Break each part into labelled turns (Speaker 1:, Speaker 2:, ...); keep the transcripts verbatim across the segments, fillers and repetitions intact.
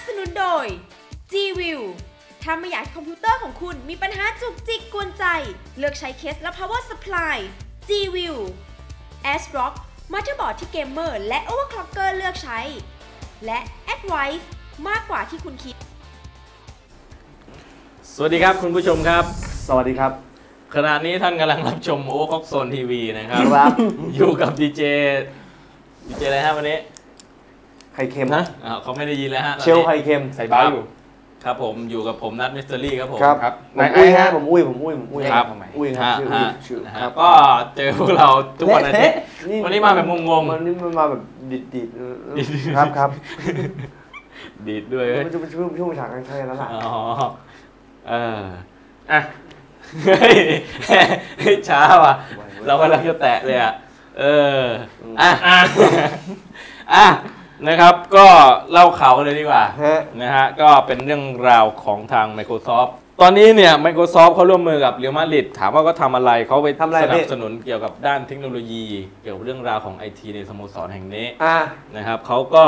Speaker 1: สนุนโดย G-View ถ้าไม่อยากคอมพิวเตอร์ของคุณมีปัญหาจุกจิกกวนใจ เลือกใช้เคสและ power supply G-View ASRock มัลติบอร์ดที่เกมเมอร์และ overclocker เลือกใช้ และ Advice มากกว่าที่คุณคิด
Speaker 2: สวัสดีครับคุณผู้ชมครับ
Speaker 3: สวัสดีครับ
Speaker 2: ขณะนี้ท่านกำลังรับชมโอเวอร์คล็อกโซนทีวีนะครับครับ อยู่กับดีเจดีเจอะไรฮะวันนี้
Speaker 3: ไข่เค็ม
Speaker 2: นะเขาไม่ได้ยินแล้วฮะ
Speaker 3: เชลไข่เค็ม
Speaker 2: ใส่บ้าอยู่ครับผมอยู่กับผมนัทมิสเตอรี่ครับผม
Speaker 3: ครับผมอุ้ยฮะผมอุ้ยผมอุ้ยผมอุ้ย
Speaker 2: ครับ
Speaker 3: อุ้ยครับชื่อ
Speaker 2: ครับก็เจอพวกเราทุกวันอาทิตย์วันนี้มาแบบงง
Speaker 3: ๆวันนี้มันมาแบบดิดดิดครับครับ
Speaker 2: ดิดด้วย
Speaker 3: มันจะเป็นช่วงช่วงฉากกันใช่แล้วล่ะ
Speaker 2: อ๋อเอออ่ะเฮ้ยช้าว่ะเรากำลังจะแตะเลยอ่ะเอออ่ะอ่ะนะครับก็เล่าข่าวกันเลยดีกว่านะฮะก็เป็นเรื่องราวของทาง Microsoft ตอนนี้เนี่ย Microsoft เขาร่วมมือกับเรอัลมาดริดถามว่าก็ทำอะไรเขาไปสนับสนุนเกี่ยวกับด้านเทคโนโลยีเกี่ยวกับเรื่องราวของ ไอ ที ในสโมสรแห่งนี้นะครับเขาก็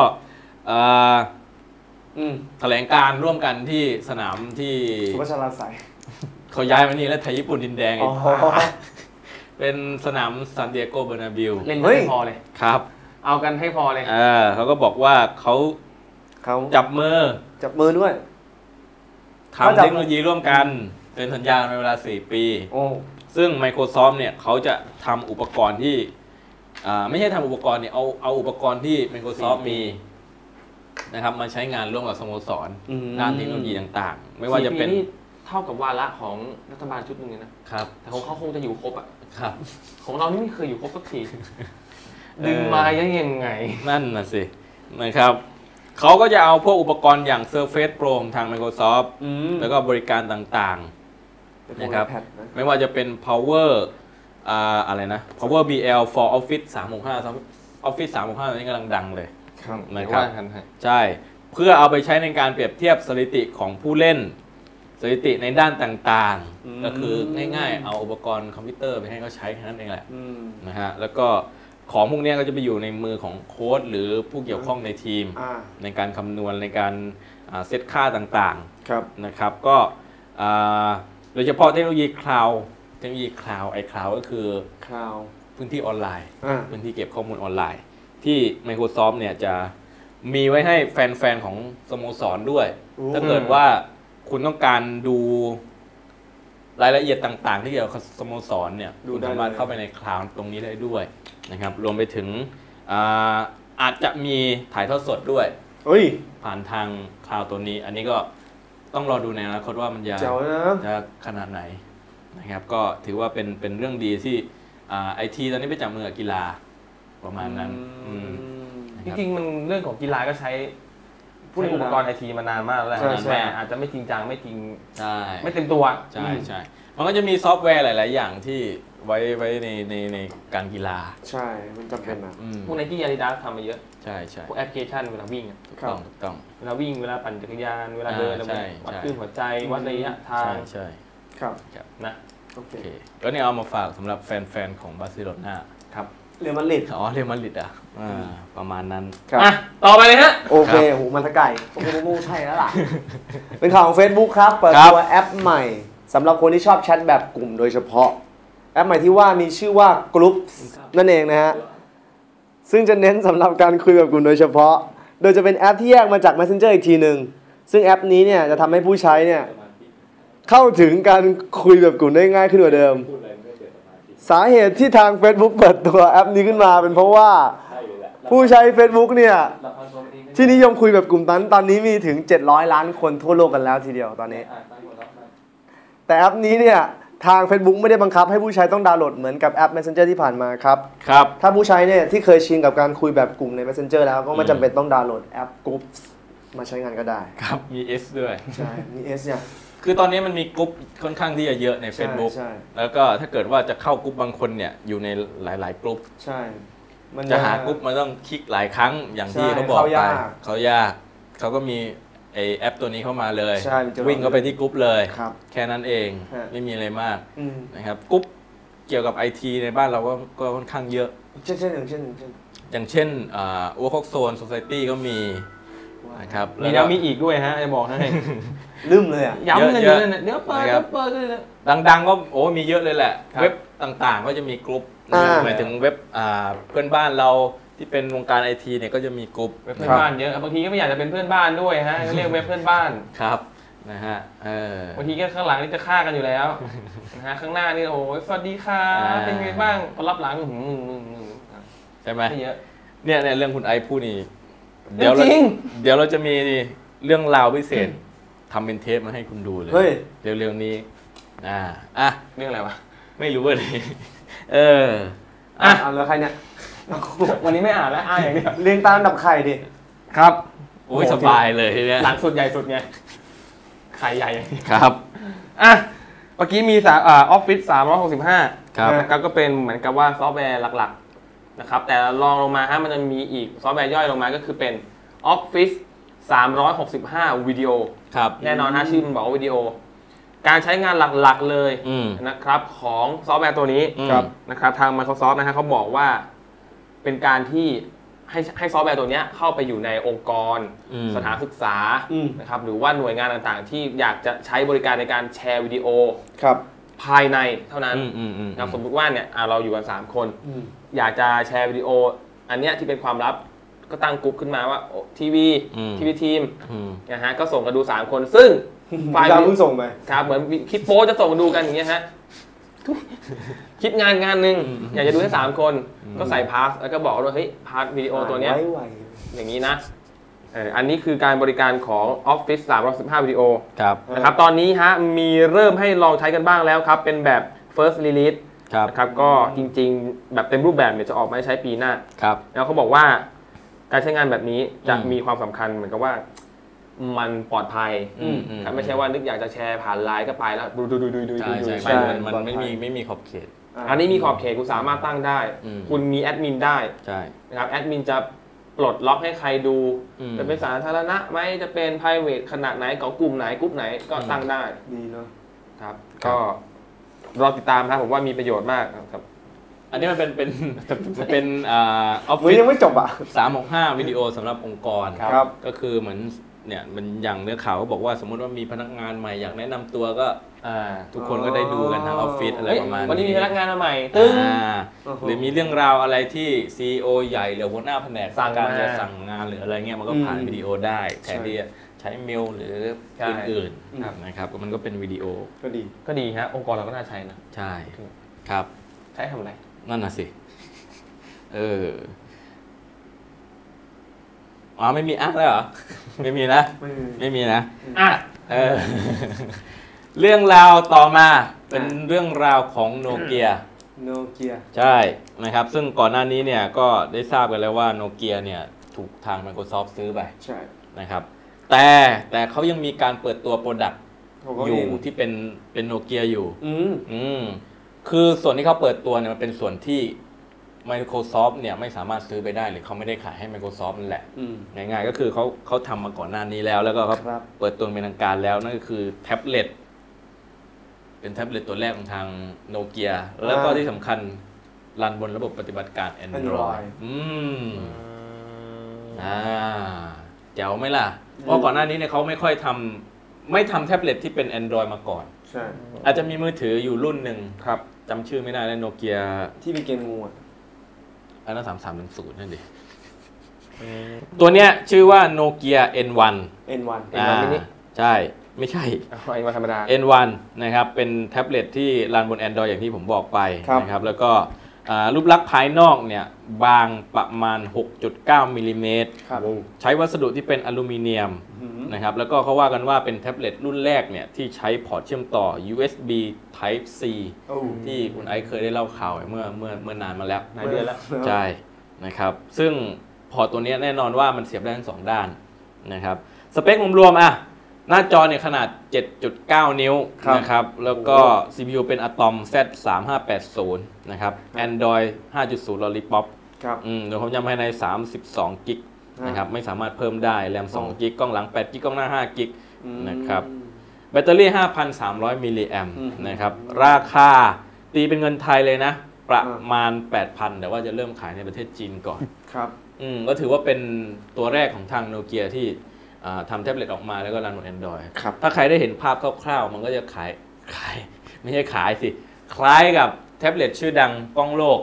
Speaker 2: แถลงการร่วมกันที่สนามที่
Speaker 3: สุพัชราไสย
Speaker 2: เขาย้ายมานี่แล้วไทยญี่ปุ่นดินแดงอีกเป็นสนามซานดิเอโกเบอร์นาบิล
Speaker 4: เล่นให้พอเลย
Speaker 2: ครับ
Speaker 4: เอากันให้พอเลย
Speaker 2: เออเขาก็บอกว่าเขา
Speaker 3: เขา
Speaker 2: จับมือ
Speaker 3: จับมือด้วย
Speaker 2: ทำเทคโนโลยีร่วมกันเป็นสัญญาในเวลาสี่ปีซึ่ง Microsoft เนี่ยเขาจะทำอุปกรณ์ที่ไม่ใช่ทำอุปกรณ์เนี่ยเอาเอาอุปกรณ์ที่ Microsoft มีนะครับมาใช้งานร่วมกับสโมสรด้านเทคโนโลยีต่างๆไม่ว่าจะเป็น
Speaker 4: เท่ากับวาระของรัฐบาลชุดหนึ่งนะครับแต่ของเขาคงจะอยู่ครบอ่ะ
Speaker 2: ครับ
Speaker 4: ของเรานี่ไม่เคยอยู่ครบสักทีดึงมายังไง
Speaker 2: นั่นน่ะสินะครับเขาก็จะเอาพวกอุปกรณ์อย่าง Surface Pro ทาง Microsoft แล้วก็บริการต่างๆนะครับไม่ว่าจะเป็น Power อะไรนะ Power บี แอล for Office สามหกห้า Office สามหกห้าตอนนี้กำลังดังเลยนะครับใช่เพื่อเอาไปใช้ในการเปรียบเทียบสถิติของผู้เล่นสถิติในด้านต่างๆก็คือง่ายๆเอาอุปกรณ์คอมพิวเตอร์ไปให้เขาใช้แค่นั้นเองแหละนะฮะแล้วก็ของพวกนี้ก็จะไปอยู่ในมือของโค้ชหรือผู้เกี่ยวข้องในทีมในการคำนวณในการเซตค่าต่างๆนะครับก็โดยเฉพาะเทคโนโลยีคลาวด์เทคโนโลยีคลาวด์ไอคลาวด์ก็คือ
Speaker 3: คลาวด์
Speaker 2: พื้นที่ออนไลน์พื้นที่เก็บข้อมูลออนไลน์ที่ Microsoft เนี่ยจะมีไว้ให้แฟนๆของสโมสรด้วยถ้าเกิดว่าคุณต้องการดูรายละเอียดต่างๆที่เกี่ยวกับสโมสรเนี่ยคุณสามารถเข้าไปในคลาวด์ตรงนี้ได้ด้วยนะครับรวมไปถึง อาอาจจะมีถ่ายทอดสดด้วยผ่านทางคลาวด์ตัวนี้อันนี้ก็ต้องรอดูในอนาคตว่ามันจะจะขนาดไหนนะครับก็ถือว่าเป็นเป็นเรื่องดีที่ไอทีตอนนี้ไปจับมือกับกีฬาประมาณนั้น
Speaker 4: จริงๆมันเรื่องของกีฬาก็ใช้ผู้อุปกรณ์ไอทีมานานมากแล้วแต่อาจจะไม่จริงจังไม่จริงไม่เต็มตัว
Speaker 2: ใช่ใช่มันก็จะมีซอฟต์แวร์หลายๆอย่างที่ไว้ไว้ในในในการกีฬา
Speaker 3: ใช่มันจำเป็นนะ
Speaker 4: พวกไนกี้อาดิดาสทำมาเยอะ
Speaker 2: ใช่ใช่
Speaker 4: พวกแอปพลิเคชันเวลาวิ่ง
Speaker 2: ถูกต้องถูกต้อง
Speaker 4: เวลาวิ่งเวลาปั่นจักรยานเวลาเดินวัดคลื่นหัวใจวัดระยะทาง
Speaker 2: ใช่
Speaker 3: ครับ
Speaker 4: นะ
Speaker 2: โอเคก็นี่เอามาฝากสำหรับแฟนๆของบาร์เซโลนา
Speaker 4: ครับ
Speaker 3: เรอัลมาดริด
Speaker 2: อ๋อเรอัลมาดริดอ่ะประมาณนั้น
Speaker 4: อ่ะต่อไปเลยฮะ
Speaker 3: โอเคโหมันตะไก่โอ้โหใช่แล้วล่ะเป็นข่าวของ Facebook ครับเปิดตัวแอปใหม่สำหรับคนที่ชอบแชทแบบกลุ่มโดยเฉพาะแอปใหม่ที่ว่ามีชื่อว่ากลุ่มนั่นเองนะฮะซึ่งจะเน้นสำหรับการคุยแบบกลุ่มโดยเฉพาะโดยจะเป็นแอปที่แยกมาจาก Messenger อีกทีหนึ่งซึ่งแอปนี้เนี่ยจะทำให้ผู้ใช้เนี่ยเข้าถึงการคุยแบบกลุ่มได้ง่ายขึ้นกว่าเดิมสาเหตุที่ทาง Facebook เปิดตัวแอปนี้ขึ้นมาเป็นเพราะว่าผู้ใช้ Facebook เนี่ยที่นิยมคุยแบบกลุ่มนั้นตอนนี้มีถึงเจ็ดร้อยล้านคนทั่วโลกกันแล้วทีเดียวตอนนี้แต่แอปนี้เนี่ยทาง Facebook ไม่ได้บังคับให้ผู้ใช้ต้องดาวน์โหลดเหมือนกับแอป Messenger ที่ผ่านมาครับ
Speaker 2: ครับ
Speaker 3: ถ้าผู้ใช้เนี่ยที่เคยชินกับการคุยแบบกลุ่มใน Messenger แล้วก็ไม่จำเป็นต้องดาวน์โหลดแอป Groups มาใช้งานก็ได้
Speaker 2: ครับมี S ด้วย
Speaker 3: ใช่มี S เนี่ย
Speaker 2: คือตอนนี้มันมีกลุ่มค่อนข้างที่จะเยอะใน Facebook แล้วก็ถ้าเกิดว่าจะเข้ากลุ่มบางคนเนี่ยอยู่ในหลายๆกลุ่ม
Speaker 3: ใช่
Speaker 2: จะหากลุ่มมันต้องคลิกหลายครั้งอย่างที่เขาบอกไปเขายากเขาก็มีไอแอปตัวนี้เข้ามาเลยวิ่งเข้าไปที่กลุ่มเลยแค่นั้นเองไม่มีอะไรมากนะครับกลุ่มเกี่ยวกับ ไอ ที ในบ้านเราก็ก็ค่อนข้างเยอะ
Speaker 3: เช่นเช่นอย่างเช่น
Speaker 2: อย่างเช่นโอเวอร์คล็อกโซนโซไซตี้ก็มีนะครับ
Speaker 4: มีแล้วมีอีกด้วยฮะจะบอกให้
Speaker 3: ลืมเลยอ่ะ
Speaker 4: ย้ำกันอยู่นั่นเดี๋ยวเปิดเดี๋ยวเปิดเลย
Speaker 2: ดังๆก็โอ้มีเยอะเลยแหละเว็บต่างๆก็จะมีกลุ่มหมายถึงเว็บเพื่อนบ้านเราที่เป็นวงการไอทีเนี่ยก็จะมีกลุ่ม
Speaker 4: เว็บเพื่อนบ้านเยอะบางทีก็ไม่อยากจะเป็นเพื่อนบ้านด้วยฮะเรียกเว็บเพื่อนบ้าน
Speaker 2: ครับนะฮะเออบ
Speaker 4: างทีก็ข้างหลังนี่จะฆ่ากันอยู่แล้วนะฮะข้างหน้านี่โอ้ยสวัสดีค่ะเป็นไงบ้างพอรับหลังหึ่ง
Speaker 2: ใช่ไหม
Speaker 4: เยอะ
Speaker 2: เนี่ยในเรื่องคุณไอพูดนี่เดี๋ยวเราเดี๋ยวเราจะมีเรื่องราวพิเศษทำเป็นเทปมาให้คุณดูเลยเร็วๆนี้อ่าอ่ะ
Speaker 4: เรื่องอะไรวะ
Speaker 2: ไม่รู้เลยเออ
Speaker 3: อ่ะเอาแล้วใครเนี่ย
Speaker 4: วันนี้ไม่อ่านแล้วอ่านอย่างเดียว
Speaker 3: เรียงตามดับไข่ดิ
Speaker 2: ครับโอ้ยสบายเลยทีเนี้ย
Speaker 4: หลังสุดใหญ่สุดไงไข่ใหญ่
Speaker 2: ครับ
Speaker 4: อ่ะเมื่อกี้มีสามอ่าออฟฟิศสามร้อยหกสิบห้า
Speaker 2: ครับ
Speaker 4: ก็เป็นเหมือนกับว่าซอฟต์แวร์หลักๆนะครับแต่ลองลงมาฮะมันจะมีอีกซอฟต์แวร์ย่อยลงมาก็คือเป็น Office สามร้อยหกสิบห้าวิดีโอ
Speaker 2: ครับ
Speaker 4: แน่นอนฮะชื่อมันบอกว่าวิดีโอการใช้งานหลักๆเลยนะครับของซอฟต์แวร์ตัวนี้นะครับทาง Microsoft นะฮะเขาบอกว่าเป็นการที่ให้ให้ซอฟต์แวร์ตัวนี้เข้าไปอยู่ในองค์กรสถานศึกษานะครับหรือว่าหน่วยงานต่างๆที่อยากจะใช้บริการในการแชร์วิดีโอภายในเท่านั้นนะสมมติว่าเนี่ยเราอยู่กันสามคนอยากจะแชร์วิดีโออันเนี้ยที่เป็นความลับก็ตั้งกลุ่มขึ้นมาว่าทีวีทีวีทีมนะฮะก็ส่งกันดูสามคนซึ่ง
Speaker 3: ไฟล์เราเพิ่งส่งไป
Speaker 4: ครับเหมือนคลิปโป๊จะส่งกันดูกันอย่างเงี้ยฮะคลิปงานงานหนึ่งอยากจะดูแค่สามคนก็ใส่พาสแล้วก็บอกว่าเฮ้ยพาสวิดีโอตัวเนี้ยอย่างนี้นะอันนี้คือการบริการของ Office สามร้อยหกสิบห้าวิดีโอนะครับตอนนี้ฮะมีเริ่มให้ลองใช้กันบ้างแล้วครับเป็นแบบ first release นะครับก็จริงๆแบบเต็มรูปแบบเนี่ยจะออกมาใช้ปีหน้าแล้วเขาบอกว่าการใช้งานแบบนี้จะมีความสำคัญเหมือนกับว่ามันปลอดภัยครับไม่ใช่ว่านึกอยากจะแชร์ผ่านไลน์ก็ไปแล้วดูดูดูดูดูดู
Speaker 2: ไปมันไม่มีไม่มีขอบเขต
Speaker 4: อันนี้มีขอบเขตคุณสามารถตั้งได้คุณมีแอดมินได้นะครับแอดมินจะปลดล็อกให้ใครดูจะเป็นสาธารณะไหมจะเป็น private ขนาดไหนของกลุ่มไหนกลุ่มไหนก็ตั้งได้
Speaker 3: ดีเนาะ
Speaker 4: ครับก็รอติดตามครับผมว่ามีประโยชน์มากครับ
Speaker 2: อันนี้มันเป็นเป็นเป็นอ่าออฟฟิศ
Speaker 3: ยังไม่จบอ่ะ
Speaker 2: สามหกห้าวิดีโอสำหรับองค์กรก็คือเหมือนเนี่ยมันอย่างเนื้อข่าวก็บอกว่าสมมติว่ามีพนักงานใหม่อยากแนะนำตัวก็ทุกคนก็ได้ดูกันทางออฟฟิศอะไรประมาณนี้
Speaker 4: วันนี้มีพนักงานใหม่ตึ้ง
Speaker 2: หรือมีเรื่องราวอะไรที่ ซี อี โอ ใหญ่หรือหัวหน้าแผนกสั่งการจะสั่งงานหรืออะไรเงี้ยมันก็ผ่านวิดีโอได้แทนที่ใช้เมลหรืออื่นๆนะครับมันก็เป็นวิดีโอ
Speaker 3: ก็ดี
Speaker 4: ก็ดีฮะองค์กรเราก็น่าใช้นะ
Speaker 2: ใช่ครับ
Speaker 4: ใช้ทำอะไร
Speaker 2: นั่นน่ะสิเอออ๋อไม่มีอ่ะแล้วเหรอไม่มีนะไม่มีนะ
Speaker 4: อ่ะ
Speaker 2: เออเรื่องราวต่อมาเป็นเรื่องราวของโนเกีย
Speaker 3: โนเกีย
Speaker 2: ใช่นะครับซึ่งก่อนหน้านี้เนี่ยก็ได้ทราบกันแล้วว่าโนเกียเนี่ยถูกทาง Microsoft ซื้อไป
Speaker 3: ใช่
Speaker 2: นะครับแต่แต่เขายังมีการเปิดตัวโปรดักต์อยู่ที่เป็นเป็นโนเกียอยู่
Speaker 3: อืม
Speaker 2: อืมคือส่วนที่เขาเปิดตัวเนี่ยมันเป็นส่วนที่ Microsoft เนี่ยไม่สามารถซื้อไปได้หรือเขาไม่ได้ขายให้ Microsoft นั่นแหละง่ายๆก็คือเขาเขาทำมาก่อนหน้านี้แล้วแล้วก็เขาเปิดตัวเป็นทางการแล้วนั่นก็คือแท็บเล็ตเป็นแท็บเล็ตตัวแรกของทางโนเกียแล้วก็ที่สำคัญรันบนระบบปฏิบัติการ Android อืมอ่าเจ๋วไหมล่ะเพราะก่อนหน้านี้เนี่ยเขาไม่ค่อยทำไม่ทำแท็บเล็ตที่เป็น Android มาก่อน
Speaker 3: ใช่
Speaker 2: อาจจะมีมือถืออยู่รุ่นหนึ่งครับจำชื่อไม่ได้แล้วโนเกีย
Speaker 3: ที่มีเกมงูอ่ะ
Speaker 2: อันนั้นสามสามหนึ่งศูนย์นั่นดิตัวเนี้ยชื่อว่าโนเกีย เอ็น วัน
Speaker 3: เอ็น วัน
Speaker 2: อ่าใช่ไม่ใช่
Speaker 4: เอ็น วัน ธรรมดา
Speaker 2: เอ็น วัน นะครับเป็นแท็บเล็ตที่รันบน Android อย่างที่ผมบอกไปนะครับแล้วก็รูปลักษณ์ภายนอกเนี่ยบางประมาณ หกจุดเก้า มิลลิเมตรใช้วัสดุที่เป็นอลูมิเนียมนะครับแล้วก็เขาว่ากันว่าเป็นแท็บเล็ตรุ่นแรกเนี่ยที่ใช้พอร์ตเชื่อมต่อ ยู เอส บี Type C ที่คุณไอซ์เคยได้เล่าข่าวเมื่อเมื่อเมื่อนานมาแล้ว
Speaker 3: หลายเดือนแล้ว
Speaker 2: ใช่นะครับซึ่งพอร์ตตัวนี้แน่นอนว่ามันเสียบได้ทั้งสองด้านนะครับสเปครวมๆอ่ะหน้าจอเนี่ยขนาด เจ็ดจุดเก้า นิ้วนะครับแล้วก็ ซี พี ยู เป็น Atom แซด สามห้าแปดศูนย์ นะครับ Android ห้าจุดศูนย์ Lollipop
Speaker 3: ครับ
Speaker 2: อืมโดยความจำภายในสามสิบสองกิกนะครับไม่สามารถเพิ่มได้แรมสองกิกกล้องหลังแปดกิกกล้องหน้าห้ากิกนะครับแบตเตอรี่ ห้าพันสามร้อย มิลลิแอมป์นะครับราคาตีเป็นเงินไทยเลยนะประมาณ แปดพัน แต่ว่าจะเริ่มขายในประเทศจีนก่อน
Speaker 3: ครับ
Speaker 2: อืมก็ถือว่าเป็นตัวแรกของทางโนเกียที่ทำแท็บเล็ตออกมาแล้วก็รันบน Android
Speaker 3: ครับ
Speaker 2: ถ้าใครได้เห็นภาพคร่าวๆมันก็จะขายขายไม่ใช่ขายสิ คล้ายกับแท็บเล็ตชื่อดังกล้องโลก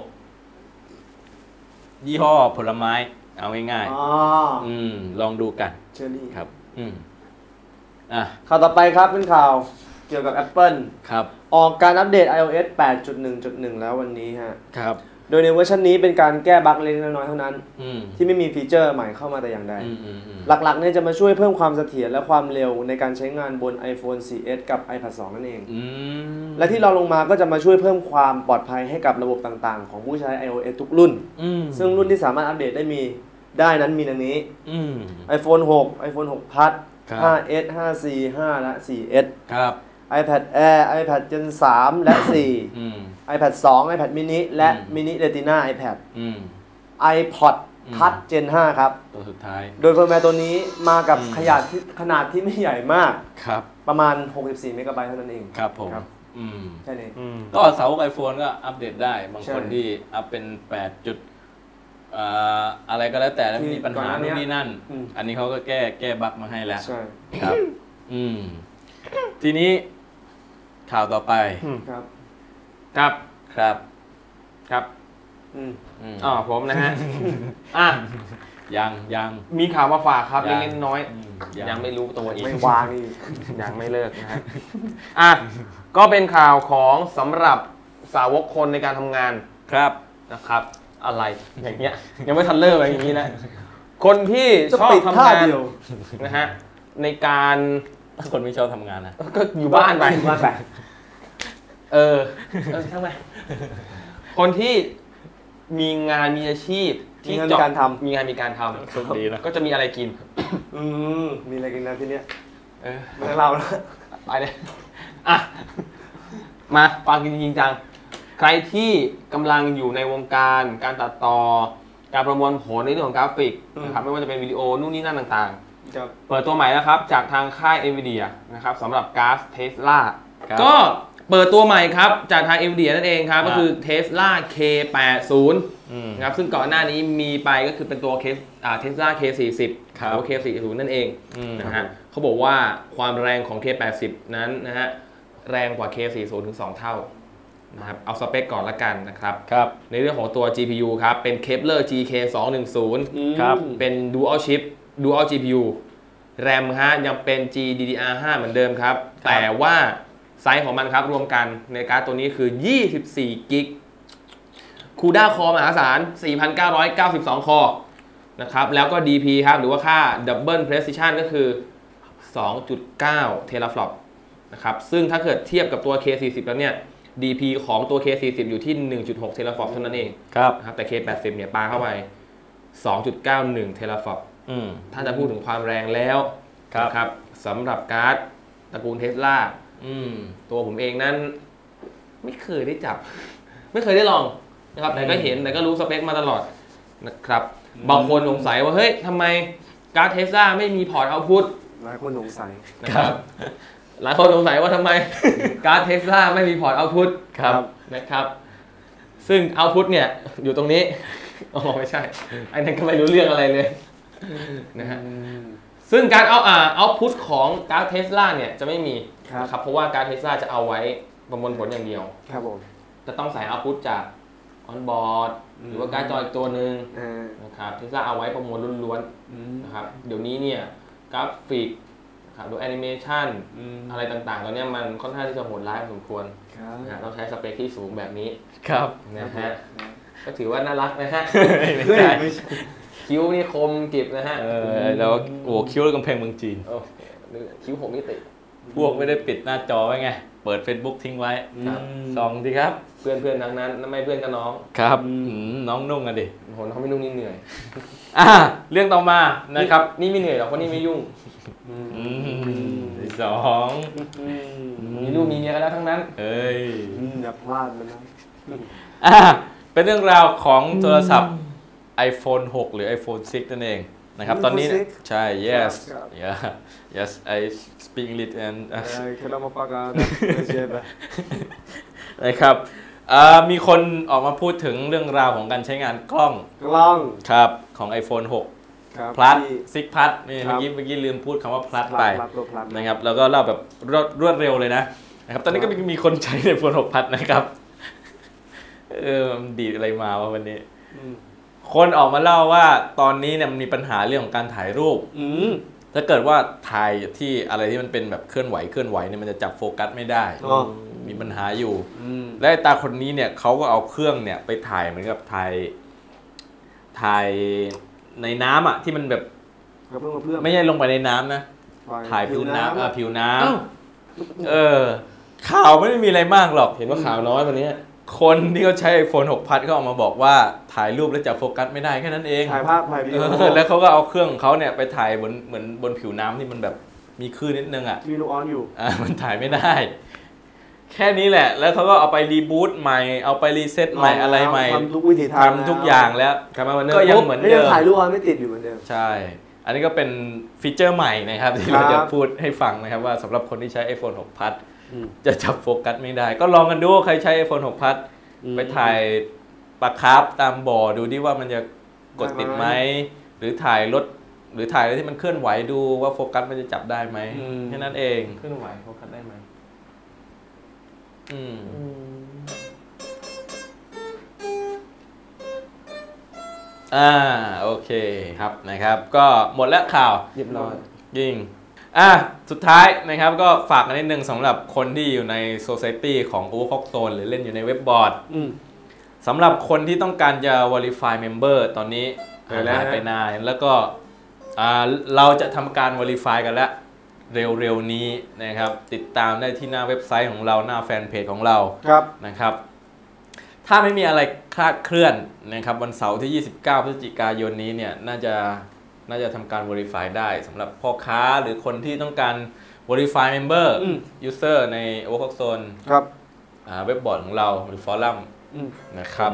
Speaker 2: ยี่ห้อผลไม้เอาง่าย
Speaker 3: อ๋อ
Speaker 2: ๆอืมลองดูกัน
Speaker 3: เชอรี่
Speaker 2: ครับอืมอ่ะ
Speaker 3: ข่าวต่อไปครับเป็นข่าวเกี่ยวกับ Apple
Speaker 2: ครับ
Speaker 3: ออกการอัปเดต iOS แปดจุดหนึ่งจุดหนึ่ง แล้ววันนี้ฮะ
Speaker 2: ครับ
Speaker 3: โดยในเวอร์ชันนี้เป็นการแก้บั๊กเล็กน้อยเท่านั้น
Speaker 2: อืม
Speaker 3: ที่ไม่มีฟีเจอร์ใหม่เข้ามาแต่อย่างใด
Speaker 2: อืมอืมอืม
Speaker 3: หลักๆเนี่ยจะมาช่วยเพิ่มความเสถียรและความเร็วในการใช้งานบน iPhone โฟร์เอส กับ iPad ทู นั่นเอง
Speaker 2: อืม
Speaker 3: และที่เราลงมาก็จะมาช่วยเพิ่มความปลอดภัยให้กับระบบต่างๆ ของผู้ใช้ iOS ทุกรุ่น
Speaker 2: อืม
Speaker 3: ซึ่งรุ่นที่สามารถอัปเดตได้มีได้นั้นมีดังนี้
Speaker 2: อืม
Speaker 3: iPhone หก iPhone หก Plus
Speaker 2: ครับ
Speaker 3: ห้าเอส ห้าซี ห้า และ โฟร์เอส
Speaker 2: ครับ
Speaker 3: iPad Air iPad Gen สาม และ สี่
Speaker 2: อืม
Speaker 3: iPad ทู iPad mini และ
Speaker 2: อืม
Speaker 3: mini Retina iPad
Speaker 2: อืม
Speaker 3: iPod
Speaker 2: อืม
Speaker 3: Touch Gen ห้า ครับ
Speaker 2: ตัวสุดท้าย
Speaker 3: โดยเฟิร์มแวร์ตัวนี้มากับ
Speaker 2: อืม
Speaker 3: ขนาดที่ขนาดที่ไม่ใหญ่มาก
Speaker 2: ครับ
Speaker 3: ประมาณ หกสิบสี่ เมกะไบต์เท่านั้นเอง
Speaker 2: ครับผม
Speaker 3: ครับ
Speaker 2: อืม
Speaker 3: แค่นี้
Speaker 4: อืม
Speaker 2: ก็เสาไอโฟนก็อัปเดตได้ บาง
Speaker 3: ใช่
Speaker 2: คนที่อัปเป็นแปดจุดอ่าอะไรก็แล้วแต่แล้ว
Speaker 3: ที่
Speaker 2: มีปัญหา
Speaker 3: ก่อนหน้านี้
Speaker 2: นู่นนี่นั่น
Speaker 3: อืม
Speaker 2: อันนี้เขาก็แก้แก้บั๊กมาให้แล้ว
Speaker 3: ใช่
Speaker 2: ครับ อืม ทีนี้ข่าวต่อไป
Speaker 3: ครับ
Speaker 4: ครับ
Speaker 2: ครับ
Speaker 4: ครับ
Speaker 3: อืม
Speaker 2: อืม
Speaker 4: อ๋อผมนะฮะ อ่ะ
Speaker 2: ยังยัง
Speaker 4: มีข่าวมาฝากครับ
Speaker 2: ยัง
Speaker 4: เล็กๆน้อย
Speaker 2: อืม
Speaker 4: ๆยังไม่รู้ตัวอีก
Speaker 3: ไม่วางอีก
Speaker 4: ยังไม่เลิกนะฮะ อ่ะ ก็เป็นข่าวของสำหรับสาวกคนในการทำงาน
Speaker 2: ครับ
Speaker 4: นะครับ อะไรอย่างเงี้ย ยังไม่ทันเลิกอะไรอย่างนี้นะ คนที่
Speaker 3: จะ
Speaker 4: ชอบ
Speaker 3: ปิด
Speaker 4: ทำ
Speaker 3: ท่าง
Speaker 4: าน
Speaker 3: เดียว
Speaker 4: นะฮะในการ
Speaker 2: คนไม่ชอบทำงานนะ
Speaker 4: ก็อยู่บ้านไป
Speaker 3: อยู่บ้านไป
Speaker 4: เออเออช่างไปคนที่มีงานมีอาชีพ
Speaker 3: มี
Speaker 4: ที่
Speaker 3: งานมี
Speaker 4: เจาะ
Speaker 3: การทำ
Speaker 4: มีงานมีการท
Speaker 2: โชคดีนะ
Speaker 4: ำก็จะมีอะไรกิน
Speaker 3: อืมมีอะไรกินนะที่เนี้ย
Speaker 4: เออ
Speaker 3: ไม่ต้องเล่าแล้ว
Speaker 4: ไปเลย อ่ะ มาฟังจริงๆจัง ใครที่กำลังอยู่ในวงการการตัดต่อ การประมวลผลในเรื่องของกราฟิกนะครับไม่ว่าจะเป็นวิดีโอนู่นนี่นั่นต่างๆ
Speaker 3: ครับ
Speaker 4: เปิดตัวใหม่แล้วครับ จากทางค่าย NVIDIA นะครับสำหรับก๊าซเทสลา
Speaker 2: ครับ
Speaker 4: ก็เปิดตัวใหม่ครับ จากทาง NVIDIA นั่นเองครับ
Speaker 2: ครับ
Speaker 4: ก็คือ Tesla เค แปดสิบ
Speaker 2: อืม
Speaker 4: นะครับซึ่งก่อนหน้านี้มีไปก็คือเป็นตัวเคสอ่า Tesla เค สี่สิบ
Speaker 2: ครับ
Speaker 4: หรือว่า เค สี่สิบ นั่นเอง
Speaker 2: อืม
Speaker 4: นะฮะเขาบอกว่าความแรงของ เค แปดสิบ นั้นนะฮะแรงกว่า เค สี่สิบ ถึง สอง เท่านะครับเอาสเปคก่อนละกันนะครับ
Speaker 2: ครับ
Speaker 4: ในเรื่องของตัว จี พี ยู ครับเป็น Kepler จี เค สองหนึ่งศูนย์
Speaker 2: ครับ
Speaker 4: เป็น Dual Chip Dual จี พี ยู แรมฮะยังเป็น จี ดี ดี อาร์ ห้า เหมือนเดิมครับ แต่ว่าไซส์ของมันครับรวมกันในการ์ดตัวนี้คือ ยี่สิบสี่ กิกคูด้าคอมหาศาล สี่พันเก้าร้อยเก้าสิบสอง คอนะครับแล้วก็ ดี พี ครับหรือว่าค่า Double Precision ก็คือ สองจุดเก้า Teraflop นะครับซึ่งถ้าเกิดเทียบกับตัว เค สี่สิบ แล้วเนี่ย ดี พี ของตัว เค สี่สิบ อยู่ที่ หนึ่งจุดหก Teraflop เท่านั้นเอง
Speaker 2: ครับ
Speaker 4: นะครับแต่ เค แปดสิบ เนี่ยปาเข้าไป สองจุดเก้าหนึ่ง Teraflop
Speaker 2: อืม
Speaker 4: ถ้าจะพูดถึงความแรงแล้ว
Speaker 2: ครับ
Speaker 4: นะครับสำหรับการ์ดตระกูลเทสลา
Speaker 2: อืม
Speaker 4: ตัวผมเองนั้นไม่เคยได้จับ ไม่เคยได้ลองนะครับแต่ก็เห็นแต่ก็รู้สเปคมาตลอดนะครับบางคนสงสัยว่าเฮ้ยทำไมการ์ดเทสลาไม่มีพอร์ตเอาพุต
Speaker 3: หลายคนสงสัย
Speaker 4: นะครับหลายคนสงสัยว่าทำไมการ์ดเทสลาไม่มีพอร์ตเอาพุต
Speaker 2: ครับ
Speaker 4: นะครับซึ่งเอาพุตเนี่ยอยู่ตรงนี้อ๋อไม่ใช่ไอ้นั่นก็ไม่รู้เรื่องอะไรเลยนะฮะซึ่งการเอาอ่าเอาพุตของการ์ดเทสลาเนี่ยจะไม่มี
Speaker 3: ครับ
Speaker 4: นะครับเพราะว่าการ์ดเทสลาจะเอาไว้ประมวลผลอย่างเดียว
Speaker 3: ครับผม
Speaker 4: จะต้องใส่เอาพุตจากออนบอร์ดหรือว่าการ์ดจออีกตัวหนึ่ง
Speaker 3: อ่า
Speaker 4: นะครับเทสลาเอาไว้ประมวลล้วน
Speaker 3: อืม
Speaker 4: ๆนะครับเดี๋ยวนี้เนี่ยกราฟิกนะครับหรือแอนิเมชัน
Speaker 3: อืม
Speaker 4: อะไรต่างๆตอนนี้มันค่อนข้างที่จะโหดร้ายพอสมควร
Speaker 3: ครับ
Speaker 4: นะฮะต้องใช้สเปคที่สูงแบบนี้
Speaker 2: ครับ
Speaker 4: นะฮะก็ถือว่าน่ารักนะฮะ
Speaker 2: ไม่ใช่
Speaker 4: คิ้วนี่คมกริบนะฮะ
Speaker 2: เออแล้วโอ้คิ้วกำแพงเมืองจีน
Speaker 4: โอ้คิ้วหกมิติ
Speaker 2: พวกไม่ได้ปิดหน้าจอไว้ไง เปิด Facebook ทิ้งไว้
Speaker 4: ครับ
Speaker 2: ส่องสิครับ
Speaker 4: เพื่อนเพื่อนๆทั้งนั้นไม่เพื่อนก็น้อง
Speaker 2: ครับอืมน้องนุ่งกันดิ
Speaker 4: โหเขาไม่นุ่งนี่เหนื่อย
Speaker 2: อ่าเรื่องต่อมานะครับ
Speaker 4: นี่ไม่เหนื่อยหรอกเพราะนี่ไม่ยุ่ง
Speaker 3: อืม
Speaker 2: อืมสอง
Speaker 3: อืม
Speaker 4: มีลูกมีเมียกันแล้วทั้งนั้น
Speaker 2: เอ้ย
Speaker 3: อืมอย่าพลาดมันนะ
Speaker 2: อ่าเป็นเรื่องราวของโทรศัพท์ iPhone หก หรือ iPhone ซิกนั่นเองนะครับ ตอนนี้เนี่ยใช่ yes
Speaker 3: ครับ
Speaker 2: yeah yes I speak English and
Speaker 3: เอ้ยเคลามาปากาเจ็บอะ
Speaker 2: นะครับอ่ามีคนออกมาพูดถึงเรื่องราวของการใช้งานกล้อง
Speaker 3: กล้อง
Speaker 2: ครับของ iPhone หกพลัสซิกพัทเมื่อกี้เมื่อกี้ลืมพูดคำว่าพลัสไปนะครับแล้วก็เล่าแบบรวดรวดเร็วเลยนะนะครับตอนนี้ก็มีคนใช้ในโฟนหกพัทนะครับเออดีอะไรมาวะวันนี้คนออกมาเล่าว่าตอนนี้เนี่ยมันมีปัญหาเรื่องของการถ่ายรูปถ้าเกิดว่าถ่ายที่อะไรที่มันเป็นแบบเคลื่อนไหวเคลื่อนไหวเนี่ยมันจะจับโฟกัสไม่ได้มีปัญหาอยู่และตาคนนี้เนี่ยเขาก็เอาเครื่องเนี่ยไปถ่ายเหมือนกับถ่ายถ่ายในน้ำอ่ะที่มันแบบไม่ใช่ลงไปในน้ำนะถ่ายผิวน้ำอ่ะผิวน้ำเออข่าวไม่ได้มีอะไรมากหรอก
Speaker 4: เห็นว่าข่าวน้อยวันนี้
Speaker 2: คนที่เขาใช้ ไอโฟน หกพัทเขาออกมาบอกว่าถ่ายรูปแล้วจับโฟกัสไม่ได้แค่นั้นเอง
Speaker 3: ถ่ายภาพถ่ายวิดีโอ
Speaker 2: แล้วเขาก็เอาเครื่องของเขาเนี่ยไปถ่ายบนเหมือนบนผิวน้ำที่มันแบบมีคลื่นนิดนึงอ่ะ
Speaker 3: มีลูกออนอยู่
Speaker 2: อ่ามันถ่ายไม่ได้แค่นี้แหละแล้วเขาก็เอาไปรีบูตใหม่เอาไปรีเซ็ตใหม่อะไรใหม่
Speaker 3: ทำทุกวิธีทาง
Speaker 2: ทำทุกอย่างแล้วก็ยังเหมือนเดิม
Speaker 3: ถ่ายรูปออนไม่ติดอยู่เหมือนเดิม
Speaker 2: ใช่อันนี้ก็เป็นฟีเจอร์ใหม่นะครับที่เราจะพูดให้ฟังนะครับว่าสำหรับคนที่ใช้ ไอโฟน หกพัทจะจับโฟกัสไม่ได้ก็ลองกันดูใครใช้ ไอโฟน หกพัทไปถ่ายปลาคาร์ฟตามบ่อดูดิว่ามันจะกดติดไหมหรือถ่ายรถหรือถ่ายอะไรที่มันเคลื่อนไหวดูว่าโฟกัสมันจะจับได้ไหมแค่นั้นเอง
Speaker 4: เคลื่อนไหวโฟกัสได้ไหม
Speaker 2: อืมอ่าโอเคครับนะครับก็หมดแล้วข่าว
Speaker 4: เรียบร้อย
Speaker 2: ยิงอ่ะสุดท้ายนะครับก็ฝากกันนิดนึงสำหรับคนที่อยู่ใน Society ของ Overclock Zone หรือเล่นอยู่ในเว็บบอร์ดสำหรับคนที่ต้องการจะ Verify Member ตอนนี้หายไปนานแล้วก็เราจะทำการ Verify กันแล้วเร็วๆนี้นะครับติดตามได้ที่หน้าเว็บไซต์ของเราหน้าแฟนเพจของเรานะครับถ้าไม่มีอะไรคลาดเคลื่อนนะครับวันเสาร์ที่ยี่สิบเก้าพฤศจิกายนนี้เนี่ยน่าจะน่าจะทำการ Verify ได้สำหรับพ่อค้าหรือคนที่ต้องการ Verify Member User ใน Overclock Zone
Speaker 3: ครับ
Speaker 2: เว็บบอร์ดของเราหรือฟอรัมนะครับ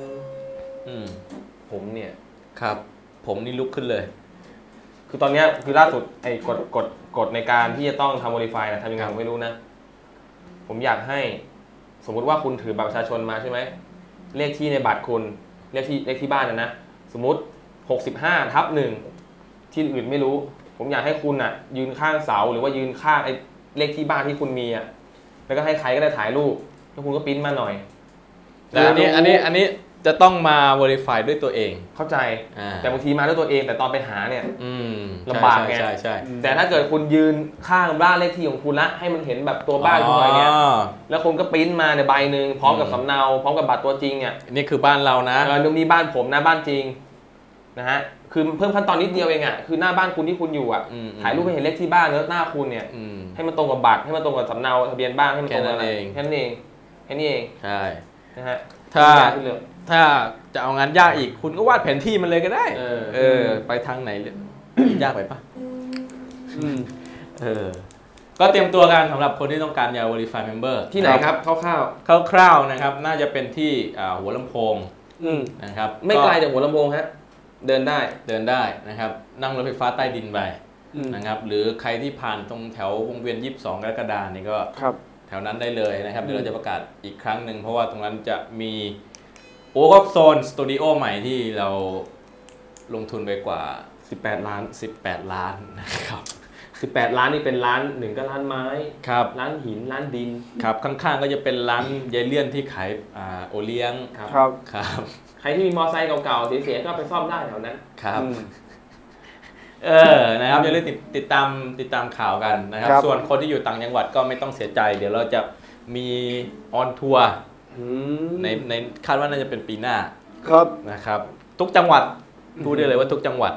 Speaker 4: ผมเนี่ย
Speaker 2: ครับผมนี่ลุกขึ้นเลย
Speaker 4: คือตอนนี้คือล่าสุดไอ้กฎกฎกฎในการที่จะต้องทำ Verify นะทำยังไงผมไม่รู้นะผมอยากให้สมมุติว่าคุณถือบัตรประชาชนมาใช่ไหมเลขที่ในบัตรคุณเลขที่เลขที่บ้านนะนะสมมุติหกสิบห้าทับหนึ่งที่อื่นไม่รู้ผมอยากให้คุณอ่ะยืนข้างเสาหรือว่ายืนข้างไอ้เลขที่บ้านที่คุณมีอ่ะแล้วก็ให้ใครก็ได้ถ่ายรูปแล้วคุณก็ปริ้นมาหน่อย
Speaker 2: แต่อันนี้อันนี้อันนี้จะต้องมา Verify ด้วยตัวเอง
Speaker 4: เข้าใจแต่บางทีมาด้วยตัวเองแต่ตอนไปหาเนี่ยลำบากไง
Speaker 2: ใช่ใช่
Speaker 4: แต่ถ้าเกิดคุณยืนข้างบ้านเลขที่ของคุณละให้มันเห็นแบบตัวบ้านคุณอะไรเงี้ยแล้วคุณก็ปริ้นมาในใบหนึ่งพร้อมกับสำเนาพร้อมกับบัตรตัวจริงอ่ะ
Speaker 2: นี่คือบ้านเรานะ
Speaker 4: เออนี่บ้านผมนะบ้านจริงนะฮะคือเพิ่มขั้นตอนนิดเดียวเองอ่ะคือหน้าบ้านคุณที่คุณอยู่อ่ะถ่ายรูปให้เห็นเลขที่บ้านแล้วหน้าคุณเนี่ยให้มันตรงกับบัตรให้มันตรงกับสำเนาทะเบียนบ้านให้มันตรงกันเองแค่นั้นเองแค่นี้เอง
Speaker 2: ใช่
Speaker 4: นะฮะ
Speaker 2: ถ้าถ้าจะเอางานยากอีกคุณก็วาดแผนที่มันเลยก็ได้เออเออไปทางไหนยากไปปะเออก็เตรียมตัวกันสำหรับคนที่ต้องการจะ Verify Member
Speaker 4: ที่ไหนครับคร่าว
Speaker 2: ๆคร่าวๆนะครับน่าจะเป็นที่หัวลำโพงนะครับ
Speaker 4: ไม่ไกลจากหัวลำโพงฮะเดินได้
Speaker 2: เดินได้นะครับนั่งรถไฟฟ้าใต้ดินไปนะครับหรือใครที่ผ่านตรงแถววงเวียนยี่สิบสองกรกฎาคมนี่ก็แถวนั้นได้เลยนะครับเดี๋ยวเราจะประกาศอีกครั้งหนึ่งเพราะว่าตรงนั้นจะมี Overclock Zone สตูดิโอใหม่ที่เราลงทุนไปกว่า
Speaker 4: สิบแปดล้าน
Speaker 2: สิบแปดล้านนะครับ
Speaker 4: สิบแปดล้านนี่เป็นร้านหนึ่งก็ร้านไม้
Speaker 2: ครับ
Speaker 4: ร้านหินร้านดิน
Speaker 2: ครับข้างๆก็จะเป็นร้านยายเลี่ยนที่ขายอ่าโอเลี้ยง
Speaker 3: ครับ
Speaker 2: ครับ
Speaker 4: ใครที่มีมอเตอร์ไซค์เก่าๆเสียๆก็ไปซ่อมได้แถวนั้น
Speaker 2: ครับเออนะครับอย่าลืมติดติดตามติดตามข่าวกันนะครับส่วนคนที่อยู่ต่างจังหวัดก็ไม่ต้องเสียใจเดี๋ยวเราจะมีออนทัวร์ในในคาดว่าน่าจะเป็นปีหน้า
Speaker 3: ครับ
Speaker 2: นะครับทุกจังหวัดพูดได้เลยว่าทุกจังหวัด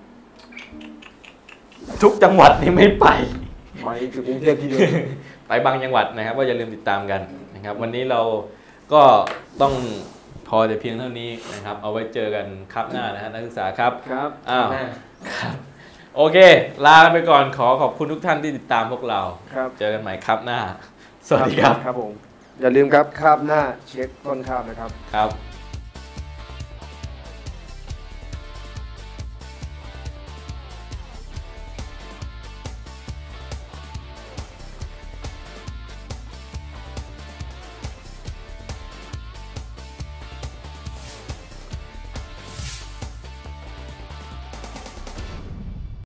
Speaker 2: ทุกจังหวัดนี่ไม่ไป
Speaker 3: ไปถึงกรุงเทพที่เดียว
Speaker 2: ไปบางจังหวัดนะครับก็อย่าลืมติดตามกันนะครับวันนี้เราก็ต้องพอแต่เพียงเท่านี้นะครับเอาไว้เจอกันครับหน้านะฮะนักศึกษาครับ
Speaker 3: ครับ
Speaker 2: อ้าวครับโอเคลาไปก่อนขอขอบคุณทุกท่านที่ติดตามพวกเราเจอกันใหม่ครับหน้าสวัสดีครับ
Speaker 3: ครับผมอย่าลืมครับคาบหน้าเช็คต้นคาบนะครับ
Speaker 2: ครับ